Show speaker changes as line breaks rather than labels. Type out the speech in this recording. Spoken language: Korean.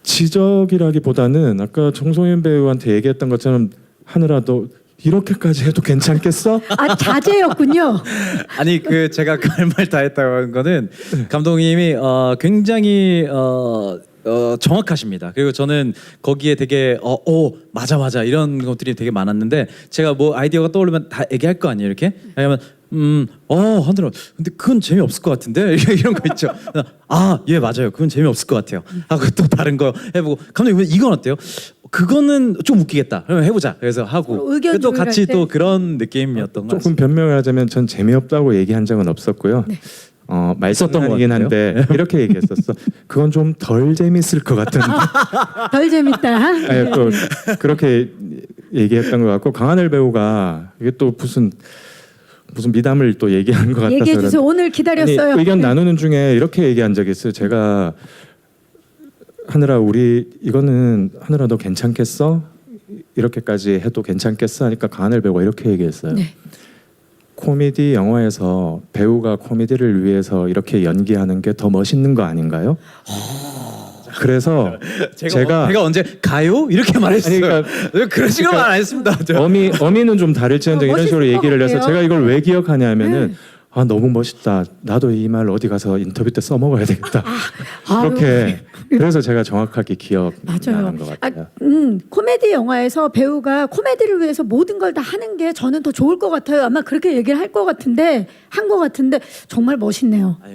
지적이라기보다는 아까 정소연 배우한테 얘기했던 것처럼 하늘아 너 이렇게까지 해도 괜찮겠어?
아 자제였군요.
아니 그 제가 할 말 다 했다는 거는 감독님이 굉장히 정확하십니다. 그리고 저는 거기에 되게 맞아 이런 것들이 되게 많았는데 제가 뭐 아이디어가 떠오르면 다 얘기할 거 아니에요 이렇게? 아니면 하늘아 근데 그건 재미없을 것 같은데 이런 거 있죠. 예 맞아요 그건 재미없을 것 같아요 하고 또 다른 거 해보고 감독님 이건 어때요? 그거는 좀 웃기겠다. 그러면 해보자. 그래서 하고
의견
또 같이
조율할
또
때.
그런 느낌이었던 것
조금
같습니다.
변명을 하자면 전 재미없다고 얘기한 적은 없었고요.
네.
말썽이긴
것 같은데요?
한데 이렇게 얘기했었어. 그건 좀 덜 재밌을 것 같은데.
덜 재밌다.
아니, 또 그렇게 얘기했던 것 같고 강하늘 배우가 이게 또 무슨 미담을 또 얘기한 것 같아서
얘기해 주세요. 오늘 기다렸어요.
아니, 의견
네.
나누는 중에 이렇게 얘기한 적이 있어요. 제가 하늘아 우리 이거는 하늘아 너 괜찮겠어? 이렇게까지 해도 괜찮겠어? 하니까 강하늘 배우가 이렇게 얘기했어요.
네.
코미디 영화에서 배우가 코미디를 위해서 이렇게 연기하는 게 더 멋있는 거 아닌가요? 그래서 제가
제가 언제 가요? 이렇게 말했어요.
아니,
그런 식으로 말 안 했습니다.
어미는 좀 다를지언정 이런 식으로
멋있을 것
얘기를 해서
같아요.
제가 이걸 왜 기억하냐면은
네.
너무 멋있다. 나도 이 말 어디 가서 인터뷰 때 써먹어야 되겠다.
아유,
그렇게 그래서 제가 정확하게
맞아요.
기억나는 것 같아요.
코미디 영화에서 배우가 코미디를 위해서 모든 걸 다 하는 게 저는 더 좋을 것 같아요. 아마 그렇게 얘기를 할 것 같은데 한 것 같은데 정말 멋있네요.